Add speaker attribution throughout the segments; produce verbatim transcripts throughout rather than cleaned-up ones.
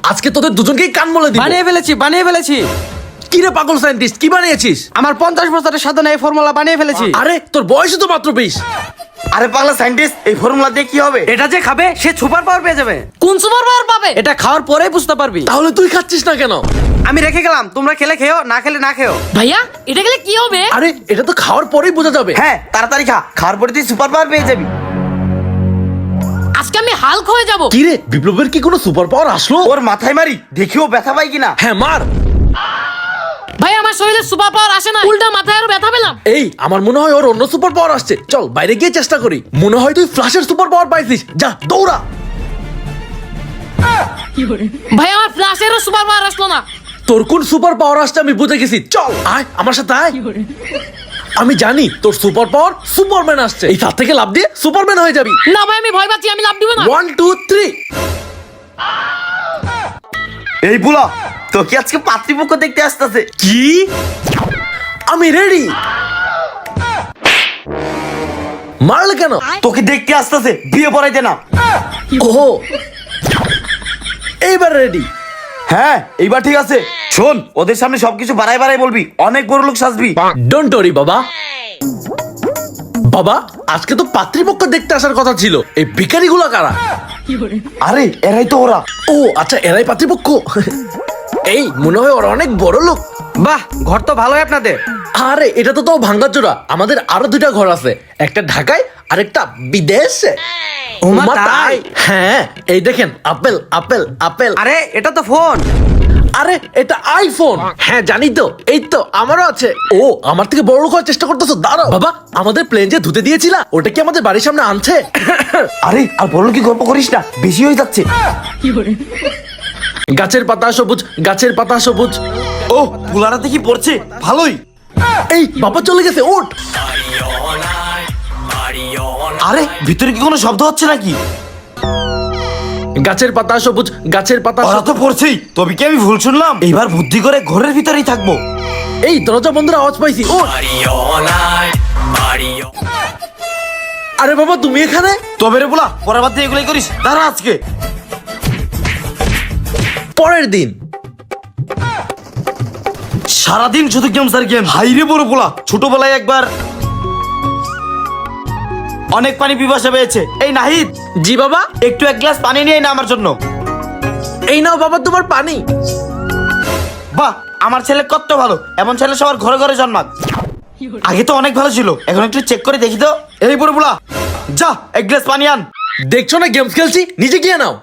Speaker 1: আজকে তোদের দুজনকেই কান মলে দিব।
Speaker 2: বানিয়ে ফেলেছি বানিয়ে ফেলেছি
Speaker 1: কি রে পাগল সায়েন্টিস্ট, কি বানিয়েছিস?
Speaker 2: আমার পঞ্চাশ বছরের সাধনা এই ফর্মুলা বানিয়ে ফেলেছি।
Speaker 1: আরে তোর বয়স তো মাত্র বিশ।
Speaker 3: আরে পাগলা সায়েন্টিস্ট, এই ফর্মুলা দিয়ে কি হবে?
Speaker 2: এটা যে খাবে সে সুপার পাওয়ার পেয়ে যাবে।
Speaker 4: কোন সুপার পাওয়ার পাবে?
Speaker 2: এটা খাওয়ার পরেই বুঝতে পারবি।
Speaker 1: তাহলে তুই খাচ্ছিস না কেন?
Speaker 2: আমি রেখে গেলাম, তোমরা খেলে খেও, না খেলে না খেও।
Speaker 4: ভাইয়া এটা গেলে কি হবে?
Speaker 1: আরে এটা তো খাওয়ার পরেই বোঝা যাবে।
Speaker 3: হ্যাঁ তাড়াতাড়ি খা, খাওয়ার পরে তুই সুপার পাওয়ার পেয়ে যাবি।
Speaker 4: আজকে আমি হাল্ক হয়ে যাব।
Speaker 1: কি রে বিপ্লবের কি কোনো সুপার পাওয়ার আসলো?
Speaker 3: ওর মাথায় মারি, দেখিও ব্যথা পাই কিনা।
Speaker 1: হ্যাঁ মার।
Speaker 4: ভাই আমার শরীরে সুপার পাওয়ার আসে না, উল্টা মাথায় আরো ব্যথা পেলাম।
Speaker 1: এই আমার মনে হয় ওর অন্য সুপার পাওয়ার আসছে, চল বাইরে গিয়ে চেষ্টা করি। মনে হয় তুই ফ্ল্যাশের সুপার পাওয়ার পাইছিস, যা দৌড়া।
Speaker 4: ভাই আমার ফ্ল্যাশেরও সুপার পাওয়ার আসলো না।
Speaker 1: তোর কোন সুপার পাওয়ার আসছে আমি বুঝে গেছি, চল আয় আমার সাথে আয়। আমি জানি তোর সুপার পাওয়ার সুপারম্যান আসছে, এই তার থেকে লাভ দিয়ে সুপারম্যান হয়ে যাবি।
Speaker 4: না ভাই আমি ভয় পাচ্ছি, আমি লাভ দিব না।
Speaker 1: One two three.
Speaker 3: এই বুলা, তোকে আজকে পাত্রীপক্ষ দেখতে আসতেছে।
Speaker 1: কি? আমি রেডি। মারলে কেন?
Speaker 3: তোকে দেখতে আসতেছে, বিয়ে পড়াইতে না।
Speaker 1: ওহো এইবার রেডি।
Speaker 3: হ্যাঁ এইবার ঠিক আছে। শোন, ওদের সামনে সবকিছু বাড়াই বাড়াই বলবি, অনেক বড় লোক সাজবি।
Speaker 1: ডোন্ট ওরি বাবা। বাবা আজকে তো পাত্রীপক্ষ দেখতে আসার কথা ছিল, এই ভিখারিগুলো কারা?
Speaker 3: আরে এরাই তো ওরা।
Speaker 1: ও আচ্ছা এরাই পাত্রীপক্ষ। এই মনে হয় ওরা অনেক বড় লোক।
Speaker 2: বাহ, ঘর তো ভালোই আপনাদের।
Speaker 1: আরে এটা তো তো ভাঙ্গাচোরা, আমাদের আরো দুইটা ঘর আছে, একটা ঢাকায় আর একটা বিদেশে।
Speaker 2: ওমা
Speaker 1: ওমা
Speaker 2: তাই?
Speaker 1: তাই? হ্যাঁ এই দেখেন আপেল আপেল আপেল।
Speaker 2: আরে এটা তো ফোন।
Speaker 1: আরে এটা আইফোন। হ্যাঁ জানি তো, এই তো আমারও আছে। ও আমার থেকে বড় লোক হওয়ার চেষ্টা করতেছো, দাঁড়াও। বাবা আমাদের প্লেন যে ধুতে দিয়েছিলা ওটা কি আমাদের বাড়ির সামনে আনছে?
Speaker 3: আরে আর বড় কি গল্প করিস না, বেশি হয়ে যাচ্ছে।
Speaker 1: গাছের পাতা সবুজ, গাছের পাতা সবুজ।
Speaker 3: ও বুলারাতে কি পড়ছে, ভালোই।
Speaker 1: এই বাবা চলে গেছে, ওঠ।
Speaker 3: আরে ভিতরে কি কোনো শব্দ হচ্ছে নাকি?
Speaker 1: গাছের পাতা সবুজ, গাছের পাতা
Speaker 3: ওরা
Speaker 1: সবুজ।
Speaker 3: তো পড়ছেই, তবে কি আমি ভুল শুনলাম? এইবার বুদ্ধি করে ঘরের ভিতরেই থাকবো।
Speaker 1: এই দরজা বন্ধের আওয়াজ পাইছি, ও। আরে বাবা তুমি এখানে?
Speaker 3: তবে রে বুলা, পরের বার থেকে এগুলোই করিস, দাঁড়া আজকে।
Speaker 1: পরের দিন
Speaker 3: সারাদিন শুধু গেমস আর গেম। হাইরে বড় পোলা, ছোটবেলায় একবার অনেক পানি পিপাসা পেয়েছে। এই নাহিদ,
Speaker 1: জি বাবা।
Speaker 3: একটু এক গ্লাস পানি নিয়ে না আমার জন্য।
Speaker 1: এই নাও বাবা তোমার পানি।
Speaker 3: বাহ, আমার ছেলে কত ভালো, এমন ছেলে সবার ঘরে ঘরে জন্মাক। আগে তো অনেক ভালো ছিল, এখন একটু চেক করে দেখি তো। এই বড় পোলা, যা এক গ্লাস পানি আন।
Speaker 1: দেখছো না গেমস খেলছি, নিজে গিয়ে নাও।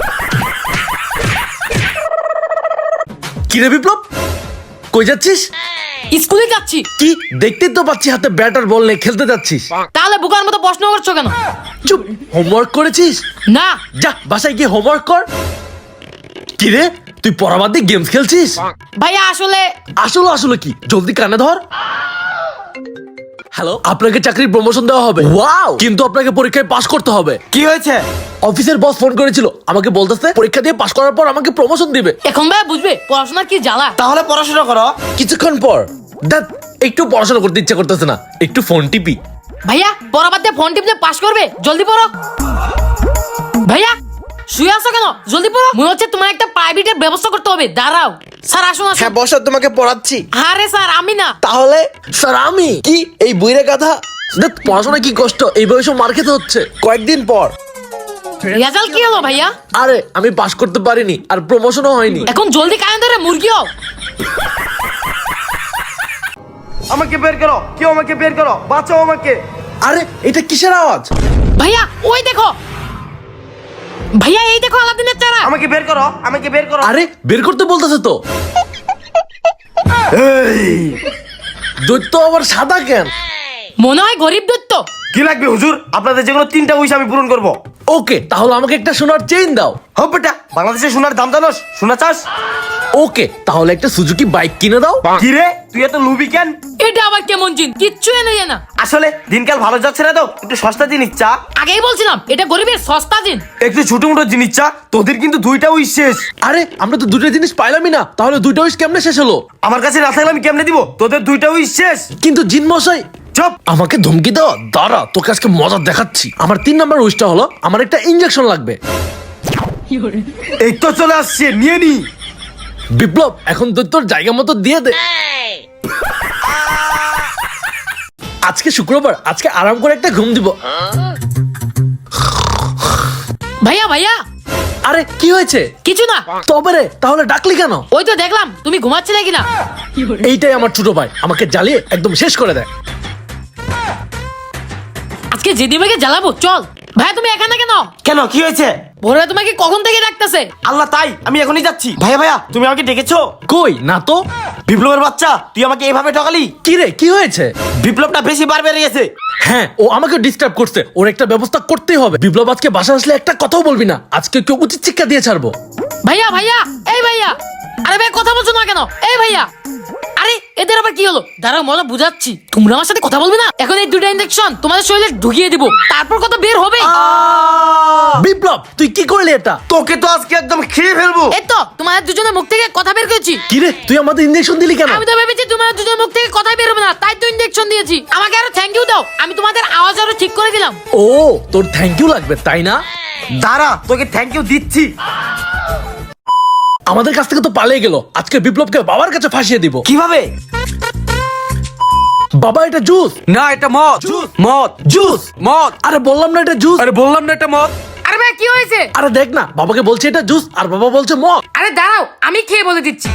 Speaker 1: কিরে বিপ্লব কই যাচ্ছিস?
Speaker 4: স্কুলে যাচ্ছি।
Speaker 1: কি দেখতে তো পাচ্ছি হাতে ব্যাটার বল নিয়ে খেলতে যাচ্ছিস।
Speaker 4: তাহলে বুকার মতো প্রশ্ন করছো কেন?
Speaker 1: চুপ, হোমওয়ার্ক করেছিস?
Speaker 4: না।
Speaker 1: যা বাসায় গিয়ে হোমওয়ার্ক কর। কিরে তুই পড়া বাদ দিয়ে গেমস খেলছিস?
Speaker 4: ভাইয়া আসলে
Speaker 1: আসলে আসলে কি, জলদি কানে ধর। হ্যালো, আপনাকে চাকরির প্রমোশন দেওয়া হবে। ওয়াও, কিন্তু আপনাকে পরীক্ষায় পাশ করতে হবে।
Speaker 3: কি হয়েছে?
Speaker 1: অফিসের বস ফোন করেছিল, আমাকে বলতেছে পরীক্ষা দিয়ে পাশ করার পর আমাকে প্রমোশন দিবে।
Speaker 4: এখন ভাইয়া বুঝবে পড়াশোনার কি জ্বালা।
Speaker 3: তাহলে পড়াশোনা করো।
Speaker 1: কিছুক্ষণ পর দেখ, একটু পড়াশোনা করতে ইচ্ছা করতেছে না, একটু ফোন টিপি।
Speaker 4: ভাইয়া পড়া বাদ দিয়ে ফোন টিপলে পাস করবে, জলদি পড়ো। ভাইয়া শুয়ে আছো কেন? জলদি পড়ো। মনে হচ্ছে তোমার একটা প্রাইভেটের ব্যবস্থা করতে হবে, দাঁড়াও। স্যার আসুন আসুন।
Speaker 2: হ্যাঁ বসো, তোমাকে পড়াচ্ছি।
Speaker 4: আরে স্যার আমি না।
Speaker 1: তাহলে স্যার আমি কি এই বইরে গাধা? দেখ পড়াশোনা কি কষ্ট, এই বয়সে মার খেতে হচ্ছে। কয়েকদিন পর
Speaker 4: রেজাল্ট কি হলো ভাইয়া?
Speaker 1: আরে আমি পাশ করতে পারিনি, আর প্রমোশনও হয়নি।
Speaker 4: এখন জলদি কানে ধরে মুরগি হও।
Speaker 3: আমাকে বের করো, কেউ আমাকে বের করো, বাঁচাও আমাকে।
Speaker 1: আরে এটা কিসের আওয়াজ?
Speaker 4: ভাইয়া ওই দেখো। ভাইয়া এই দেখো আলাদিনের চারা।
Speaker 3: আমাকে বের করো, আমাকে বের করো।
Speaker 1: আরে বের করতে বলতেছে তো।
Speaker 3: এই
Speaker 1: দৈত্য আবার সাদা কেন?
Speaker 4: মনে হয় গরিব দত্ত।
Speaker 3: কি লাগবে হুজুর? আপনাদের যেগুলো তিনটা উইশ আমি পূরণ করবো।
Speaker 1: ওকে তাহলে আমাকে একটা সোনার চেইন দাও।
Speaker 3: হোক বেটা, বাংলাদেশে সোনার দাম জানোস? সোনা চাস?
Speaker 1: ওকে তাহলে একটা সুজুকি বাইক কিনে দাও।
Speaker 3: কি রে তুই এত লুবি কেন?
Speaker 4: এটা আবার কেমন জিন? কিচ্ছু এনে যায় না।
Speaker 3: আসলে দিনকাল ভালো যাচ্ছে না তো, একটু সস্তা জিনিস চা।
Speaker 4: আগেই বলছিলাম এটা গরিবের সস্তা জিন।
Speaker 3: একটু ছোট মোটো জিনিস চা, তোদের কিন্তু দুইটা উইশ শেষ।
Speaker 1: আরে আমরা তো দুটো জিনিস পাইলামই না, তাহলে দুইটা উইশ কেমনে শেষ হলো?
Speaker 3: আমার কাছে না থাকলে আমি কেমনে দিব? তোদের দুইটা উইশ শেষ।
Speaker 1: কিন্তু জিন মশাই
Speaker 3: চুপ।
Speaker 1: আমাকে ধমকি দাও, দাঁড়া তোকে আজকে মজা দেখাচ্ছি। আমার তিন নাম্বার উইশটা হলো আমার একটা ইনজেকশন লাগবে।
Speaker 3: এই তো চলে আসছে, নিয়ে নি।
Speaker 1: বিপ্লব এখন তুই তোর জায়গা মতো দিয়ে দে। আজকে শুক্রবার, আজকে আরাম করে একটা ঘুম দিব।
Speaker 4: ভাইয়া ভাইয়া
Speaker 1: আরে কি হয়েছে?
Speaker 4: কিছু না।
Speaker 1: তবে রে, তাহলে ডাকলি কেন?
Speaker 4: ওই তো দেখলাম তুমি ঘুমাচ্ছিলে কিনা।
Speaker 1: এইটাই আমার ছোট ভাই, আমাকে জ্বালিয়ে একদম শেষ করে দেয়।
Speaker 4: আজকে যেদিকে জ্বালাবো চল। ভাইয়া তুমি এখানে কেন?
Speaker 3: কেন, কি হয়েছে?
Speaker 4: ভোরবেলা তোমাকে কখন থেকে ডাকতেছে।
Speaker 3: আল্লাহ, তাই আমি এখনই যাচ্ছি। ভাইয়া ভাইয়া তুমি আমাকে ডেকেছো?
Speaker 1: কই না তো।
Speaker 3: বিপ্লবের বাচ্চা, তুই আমাকে এইভাবে ঠকালি।
Speaker 1: কি রে, কি হয়েছে?
Speaker 3: বিপ্লবটা বেশি বার বেড়ে গেছে।
Speaker 1: হ্যাঁ, ও আমাকে ডিস্টার্ব করছে, ওর একটা ব্যবস্থা করতেই হবে। বিপ্লব আজকে বাসা আসলে একটা কথাও বলবি না, আজকে কেউ উচিত শিক্ষা দিয়ে ছাড়বো।
Speaker 4: ভাইয়া ভাইয়া এই ভাইয়া, আরে ভাই কথা বলছো না কেন? এই ভাইয়া, আরে এদের আবার কি হলো? দাঁড়াও মজা বুঝাচ্ছি। তোমরা আমার সাথে কথা বলবে না? এখন এই দুটো ইনজেকশন তোমাদের শরীরে ঢুকিয়ে দিব, তারপর কথা বের হবে।
Speaker 1: বিপ্লব তুই কি করলি এটা?
Speaker 3: তোকে তো আজকে একদম খেয়ে ফেলবো।
Speaker 4: এই তো তোমাদের দুজনের মুখ থেকে কথা বের করেছি।
Speaker 1: কি রে, তুই আমাদের ইঞ্জেকশন দিলি কেন?
Speaker 4: আমি তো ভেবেছি তোমাদের দুজনের মুখ থেকে কথাই বের হবে না, তাই তো ইনজেকশন দিয়েছি। আমাকে আরো থ্যাংক ইউ দাও, আমি তোমাদের আওয়াজ আরো ঠিক করে দিলাম।
Speaker 1: ও, তোর থ্যাংক ইউ লাগবে তাই না?
Speaker 3: দাঁড়া, তোকে থ্যাংক ইউ দিচ্ছি।
Speaker 1: আমাদের কাছ থেকে তো পালিয়ে গেল, আজকে বিপ্লবকে বাবার কাছে ফাঁসিয়ে দিব।
Speaker 3: কিভাবে?
Speaker 1: বাবা এটা জুস।
Speaker 2: না, এটা মদ। মদ
Speaker 1: জুস
Speaker 2: মদ।
Speaker 1: আরে বললাম না এটা জুস।
Speaker 2: আরে বললাম না এটা মদ।
Speaker 4: আরে ভাই কি হয়েছে?
Speaker 1: আরে দেখ না, বাবাকে বলছে এটা জুস আর বাবা বলছে মদ।
Speaker 4: আরে দাঁড়াও আমি খেয়ে বলে দিচ্ছি।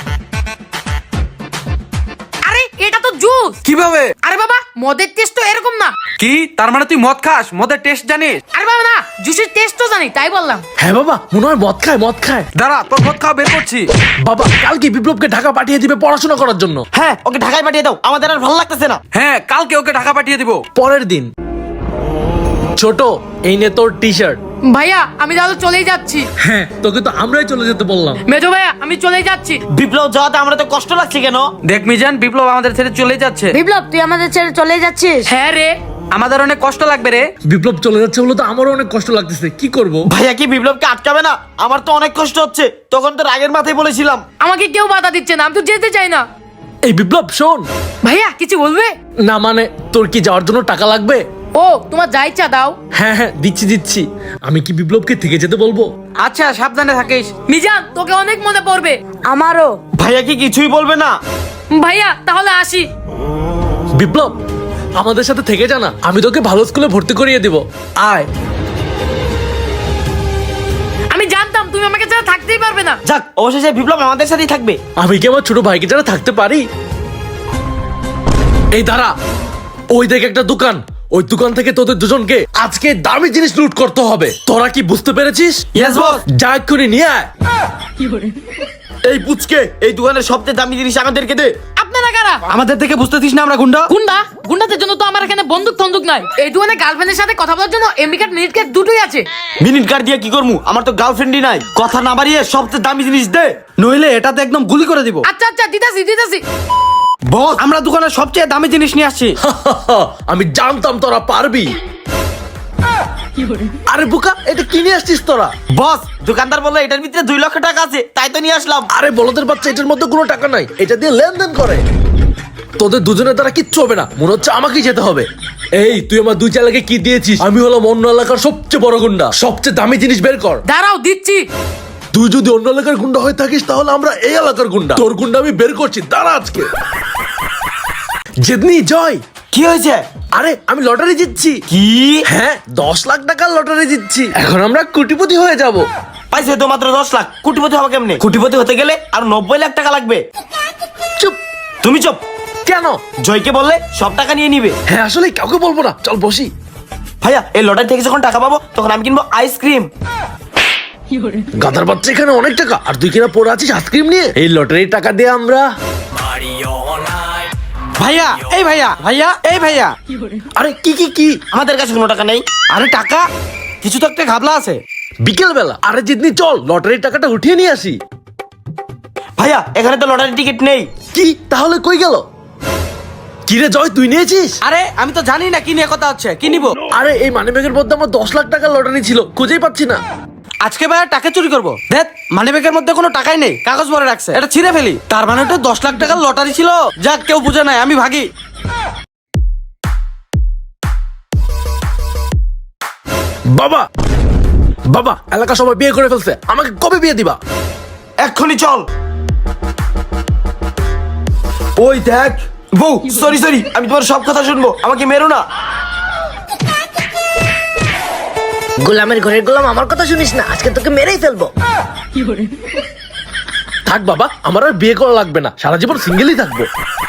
Speaker 4: আরে এটা তো জুস।
Speaker 2: কিভাবে?
Speaker 4: আরে বাবা মদের টেস্ট তো এরকম না।
Speaker 2: কি তার মানে তুই মদ খাস? মদের টেস্ট জানিস?
Speaker 4: আরে বাবা না, জুসের টেস্ট তো জানি তাই বললাম।
Speaker 1: হ্যাঁ বাবা, মনে হয় মদ খায় মদ খায়।
Speaker 2: দাঁড়া, তোর মদ খাওয়া বের করছি।
Speaker 1: বাবা কালকে বিপ্লবকে ঢাকা পাঠিয়ে দিবে পড়াশোনা করার জন্য।
Speaker 3: হ্যাঁ, ওকে ঢাকায় পাঠিয়ে দাও, আমাদের আর ভালো লাগতেছে না।
Speaker 2: হ্যাঁ, কালকে ওকে ঢাকা পাঠিয়ে দিব।
Speaker 1: পরের দিন, ছোট এই নে তোর টি শার্ট।
Speaker 4: ভাইয়া আমি তাহলে চলেই যাচ্ছি।
Speaker 1: হ্যাঁ, তোকে তো আমরাই চলে যেতে বললাম।
Speaker 4: মেজো ভাইয়া আমি চলেই যাচ্ছি।
Speaker 3: বিপ্লব যাওয়াতে আমরা তো কষ্ট লাগছে কেন?
Speaker 2: দেখ মিজান, বিপ্লব আমাদের ছেড়ে চলে যাচ্ছে।
Speaker 5: বিপ্লব তুই আমাদের ছেড়ে চলে যাচ্ছিস?
Speaker 4: হ্যাঁ রে।
Speaker 2: আমাদের অনেক কষ্ট লাগবে রে।
Speaker 1: বিপ্লব চলে যাচ্ছে বলে তো আমারও অনেক কষ্ট লাগতেছে, কি করব?
Speaker 3: ভাইয়া কি বিপ্লবকে আটকাবে না? আমার তো অনেক কষ্ট হচ্ছে, তখন তো রাগের মাথায় বলেছিলাম।
Speaker 4: আমাকে কেউ বাধা দিচ্ছে না, আমি তো যেতে চাই না।
Speaker 1: এই বিপ্লব শোন।
Speaker 4: ভাইয়া কিছু বলবে?
Speaker 1: না মানে, তোর কি যাওয়ার জন্য টাকা লাগবে?
Speaker 4: ও তোমার যা ইচ্ছা দাও।
Speaker 1: হ্যাঁ হ্যাঁ দিচ্ছি দিচ্ছি। আমি কি বিপ্লবকে থেকে যেতে বলবো?
Speaker 2: আচ্ছা, সাবধানে থাকিস।
Speaker 4: মিজান তোকে অনেক মনে পড়বে।
Speaker 5: আমারও।
Speaker 3: ভাইয়া কি কিছুই বলবে না?
Speaker 4: ভাইয়া তাহলে আসি।
Speaker 1: বিপ্লব আমাদের সাথে থেকে যা না, আমি তোকে ভালো স্কুলে ভর্তি করিয়ে দিব। আয়।
Speaker 4: আমি জানতাম তুমি আমাকে ছাড়া থাকতেই পারবে না।
Speaker 3: যাক, অবশেষে বিপ্লব আমাদের সাথেই থাকবে।
Speaker 1: আমি কি আমার ছোট ভাইকে ছাড়া থাকতে পারি? এই দাঁড়া, ওই দেখ একটা দোকান, ওই দোকান থেকে তোদের দুজনকে আজকে দামি জিনিস লুট করতে হবে। তোরা কি বুঝতে পেরেছিস?
Speaker 3: Yes boss.
Speaker 1: যা এক্ষুনি নিয়ে আয়।
Speaker 3: এই পুচকে, এই দোকানের সবচেয়ে দামি জিনিস আমাদেরকে দে।
Speaker 4: আপনারা কারা?
Speaker 2: আমাদের থেকে বুঝতেছিস না আমরা গুন্ডা?
Speaker 4: গুন্ডা? গুন্ডাদের জন্য তো আমার এখানে বন্দুক তন্দুক নাই। এই দোকানে গার্লফ্রেন্ডের সাথে কথা বলার জন্য এমবি কার্ড মিনিট কার্ড দুটোই আছে।
Speaker 3: মিনিট কার্ড দিয়ে কি করবো? আমার তো গার্লফ্রেন্ডই নাই। কথা না বাড়িয়ে সবচেয়ে দামি জিনিস দে।
Speaker 2: নইলে এটাতে একদম গুলি করে দিব।
Speaker 4: আচ্ছা আচ্ছা দিতাছি দিতাছি।
Speaker 2: বস, আমরা দোকানের সবচেয়ে দামি জিনিস নিয়ে আসছি।
Speaker 1: আমি জানতাম তোরা পারবি। আরে বোকা, এটা কিনে আসছিস তোরা?
Speaker 3: বস, দোকানদার বললো এটার ভিতরে দুই লক্ষ টাকা আছে, তাই তো নিয়ে আসলাম।
Speaker 1: আরে বলদের বাচ্চা, এটার মধ্যে কোনো টাকা নাই, এটা দিয়ে লেনদেন করে। তোদের দুজনের দ্বারা কিচ্ছু হবে না, মনে হচ্ছে আমাকেই যেতে হবে। এই তুই আমার দুই চালাকে কি দিয়েছিস? আমি হলাম অন্য এলাকার সবচেয়ে বড় গুন্ডা, সবচেয়ে দামি জিনিস বের কর।
Speaker 4: দাঁড়াও দিচ্ছি।
Speaker 1: তুই যদি অন্য এলাকার গুন্ডা হয়ে থাকিস তাহলে আমরা এই এলাকার গুন্ডা। তোর গুন্ডা আমি বের করছি, দাঁড়া আজকে। জিতনি জয়।
Speaker 3: কি হয়েছে?
Speaker 1: আরে আমি লটারি জিতছি।
Speaker 3: কি?
Speaker 1: হ্যাঁ, দশ লাখ টাকার লটারি জিতছি। এখন আমরা কোটিপতি হয়ে যাব।
Speaker 3: পাইছে তো মাত্র দশ লাখ, কোটিপতি হবে কেমনে? কোটিপতি হতে গেলে আর নব্বই লাখ টাকা লাগবে।
Speaker 1: চুপ।
Speaker 3: তুমি চুপ।
Speaker 1: কেন?
Speaker 3: জয়কে বললে সব টাকা নিয়ে নিবে।
Speaker 1: হ্যাঁ আসলে কাউকে বলবো না, চল বসি।
Speaker 3: ভাইয়া, এই লটারি থেকে যখন টাকা পাবো তখন আমি কিনবো আইসক্রিম।
Speaker 1: গাধার বাচ্চা, এখানে অনেক টাকা আর তুই কিনা পড়ে আছিস আইসক্রিম নিয়ে। এই লটারির টাকা দিয়ে আমরা।
Speaker 2: ভাইয়া, এই ভাইয়া, ভাইয়া, এই ভাইয়া।
Speaker 1: আরে কি কি কি?
Speaker 3: আমাদের কাছে কোনো টাকা নেই।
Speaker 2: আরে টাকা কিছু তো একটা ঘাবলা আছে।
Speaker 1: বিকেল বেলা। আরে জিতনি চল লটারির টাকাটা উঠিয়ে নিয়ে আসি।
Speaker 3: ভাইয়া, এখানে তো লটারি টিকিট নেই।
Speaker 1: কি তাহলে কই গেল? কি রে জয়, তুই নিয়েছিস?
Speaker 2: আরে আমি তো জানি না কি নিয়ে কথা হচ্ছে, কি নিব?
Speaker 1: আরে এই মানিব্যাগের মধ্যে আমার দশ লাখ টাকার লটারি ছিল, খুঁজেই পাচ্ছি না।
Speaker 2: আজকে ভাইয়া টাকা চুরি করবো। দেখ, মানিব্যাগের মধ্যে কোনো টাকাই নেই, কাগজ ভরে রাখছে, এটা ছিঁড়ে ফেলি। তার মানে ওটা দশ লাখ টাকার লটারি ছিল। যাক, কেউ বুঝে নাই, আমি ভাগি।
Speaker 1: বাবা বাবা এলাকা সবাই বিয়ে করে ফেলছে, আমাকে কবে বিয়ে দিবা?
Speaker 3: এক্ষুনি চল। ওই দেখ বউ, সরি সরি, আমি তোমার সব কথা শুনবো, আমাকে মেরো না।
Speaker 5: গোলামের ঘরের গোলাম, আমার কথা শুনিস না, আজকে তোকে মেরেই ফেলবো।
Speaker 1: থাক বাবা, আমার আর বিয়ে করা লাগবে না, সারা জীবন সিঙ্গেলই থাকবো।